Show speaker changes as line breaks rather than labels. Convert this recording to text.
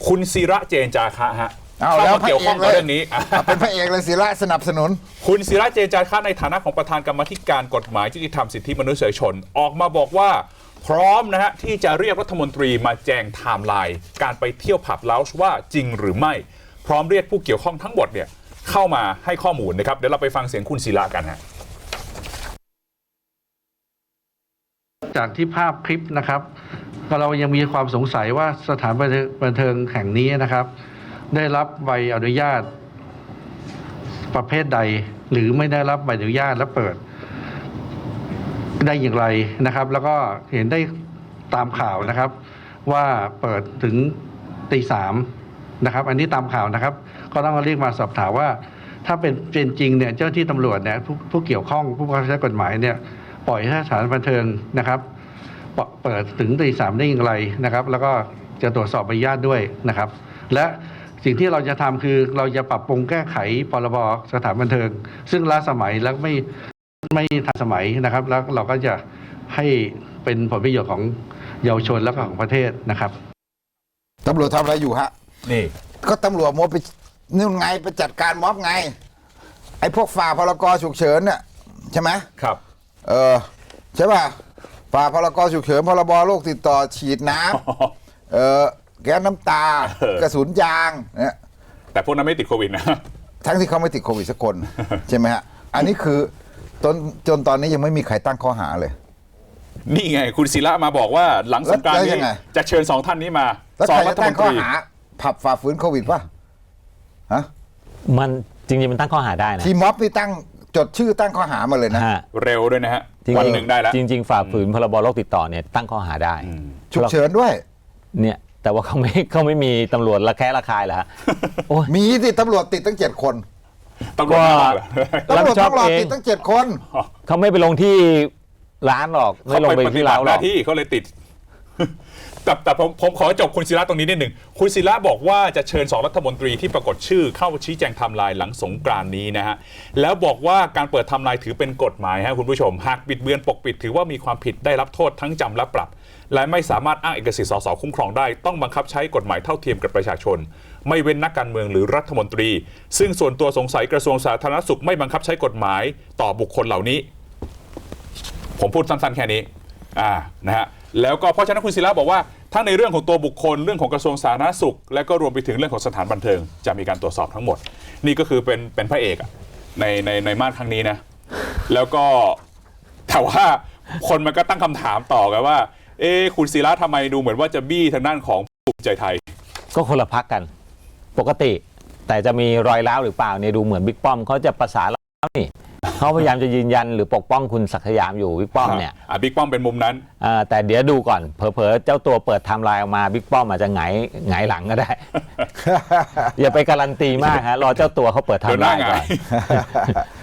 คุณศิระเจนจาคะฮะ
เอา
เข้า
แล้ว
มาเกี่ยวข้องกับเรื่องนี้
เป็นพระเอกเลยศิระสนับสนุน
คุณศิระเจนจาคะในฐานะของประธานกรรมาธิการกฎหมายยุติธรรมสิทธิมนุษยชนออกมาบอกว่าพร้อมนะฮะที่จะเรียกรัฐมนตรีมาแจงไทม์ไลน์การไปเที่ยวผับเลาจ์ว่าจริงหรือไม่พร้อมเรียกผู้เกี่ยวข้องทั้งหมดเนี่ยเข้ามาให้ข้อมูลนะครับเดี๋ยวเราไปฟังเสียงคุณศิระกันฮะ
จากที่ภาพคลิปนะครับเรายังมีความสงสัยว่าสถานบันเทิงแห่งนี้นะครับได้รับใบอนุญาตประเภทใดหรือไม่ได้รับใบอนุญาตและเปิดได้อย่างไรนะครับแล้วก็เห็นได้ตามข่าวนะครับว่าเปิดถึงตีสามนะครับอันนี้ตามข่าวนะครับก็ต้องเรียกมาสอบถามว่าถ้าเป็นจริงเนี่ยเจ้าที่ตำรวจเนี่ยผู้เกี่ยวข้องผู้บังคับใช้กฎหมายเนี่ยปล่อยให้สถานบันเทิงนะครับเปิดถึงตีสามได้อย่างไรนะครับแล้วก็จะตรวจสอบใบอนุญาตด้วยนะครับและสิ่งที่เราจะทำคือเราจะปรับปรุงแก้ไขพรบสถานบันเทิงซึ่งล้าสมัยและไม่ทันสมัยนะครับแล้วเราก็จะให้เป็นผลประโยชน์ของเยาวชนและก็ของประเทศนะครับ
ตำรวจทำอะไรอยู่ฮะ
นี่
ก็ตำรวจมัวไปนู่นไงไปจัดการม็อบไง ไอ้พวกฝ่าพรกฉุกเฉินเนี่ยใช่ไหม
ครับ
ใช่ป่ะฝ่าพรกฉุกเฉินพรบโรคติดต่อฉีดน้ำแก๊สน้ำตากระสุนยางเนี่ย
แต่พวกนั้นไม่ติดโควิดนะ
ทั้งที่เขาไม่ติดโควิดสักคน ใช่ไหมฮะอันนี้คือจนตอนนี้ยังไม่มีใครตั้งข้อหาเลย
นี่ไงคุณศิระมาบอกว่าหลังสงกรานต์
แล้วยั
นี้
งไง
จะเชิญสองท่านนี้มา
แล้ว
สอ
ใค
ง
ร
รั
จะ
ฐม
ตั้
น
ง
ต
ข้อ
รี
หาผับฝ่าฝืนโควิดป่ะฮะ
มันจริงๆมันตั้งข้อหาได้นะ
ทีม็อบนี่ตั้งจดชื่อตั้งข้อหามาเลยนะ
ฮะ
เร็วด้วยนะฮะ
จริงๆ
วันหนึ่งได้แล้ว
จริง ๆ ฝ่าฝืนพรบโรคติดต่อเนี่ยตั้งข้อหาได้
ฉุกเฉินด้วย
เนี่ยแต่ว่าเขาไม่มีตำรวจระแคะระคายเหรอฮะโอ้ย
มีที่ตำรวจติดตั้ง7 คน
ตำรวจมาบอกเหรอ
ตำรวจ
รับผิดชอบ
ต้องรอ
เอง
ติดตั้ง7 คน
เขาไม่ไปลงที่ร้านหรอกไม่ลงไป
เขาปฏิ
ที่
บั
ร้าน
ติ
ห
ห
รอ
น้าก ที่เขาเลยติด แต่ผมขอจบคุณศิระตรงนี้นิดหนึ่งคุณศิระบอกว่าจะเชิญ2รัฐมนตรีที่ปรากฏชื่อเข้าชี้แจงไทม์ไลน์หลังสงกรานต์นี้นะฮะแล้วบอกว่าการเปิดไทม์ไลน์ถือเป็นกฎหมายฮะคุณผู้ชมหากบิดเบือนปกปิดถือว่ามีความผิดได้รับโทษทั้งจำและปรับ และไม่สามารถอ้างเอกสิทธิ์สสคุ้มครองได้ต้องบังคับใช้กฎหมายเท่าเทียมกับประชาชน ไม่เว้นนักการเมืองหรือรัฐมนตรี ซึ่งส่วนตัวสงสัยกระทรวงสาธารณสุขไม่บังคับใช้กฎหมายต่อบุคคลเหล่านี้ ผมพูดสั้นๆแค่นี้นะฮะแล้วก็เพราะฉะนั้นคุณศิระบอกว่าทั้งในเรื่องของตัวบุคคลเรื่องของกระทรวงสาธารณสุขและก็รวมไปถึงเรื่องของสถานบันเทิงจะมีการตรวจสอบทั้งหมดนี่ก็คือเป็นพระเอกในมาตรครั้งนี้นะแล้วก็แต่ว่าคนมันก็ตั้งคำถามต่อกันว่าคุณศิระทำไมดูเหมือนว่าจะบี้ทางด้านของภูมิใจไทย
ก็คนละพักกันปกติ แต่จะมีรอยร้าวหรือเปล่าเนี่ยดูเหมือนบิ๊กป้อมเขาจะประสานแล้วนี่เขาพยายามจะยืนยันหรือปกป้องคุณศักดิ์สยามอยู่บิ๊กป้อมเนี่ย
บิ๊กป้อมเป็นมุมนั้น
แต่เดี๋ยวดูก่อนเผลอๆเจ้าตัวเปิดไทม์ไลน์ออกมาบิ๊กป้อมอาจจะหงายหลังก็ได้ อย่าไปการันตีมากฮะรอเจ้าตัวเขาเปิดไทม์ไลน์ก่อน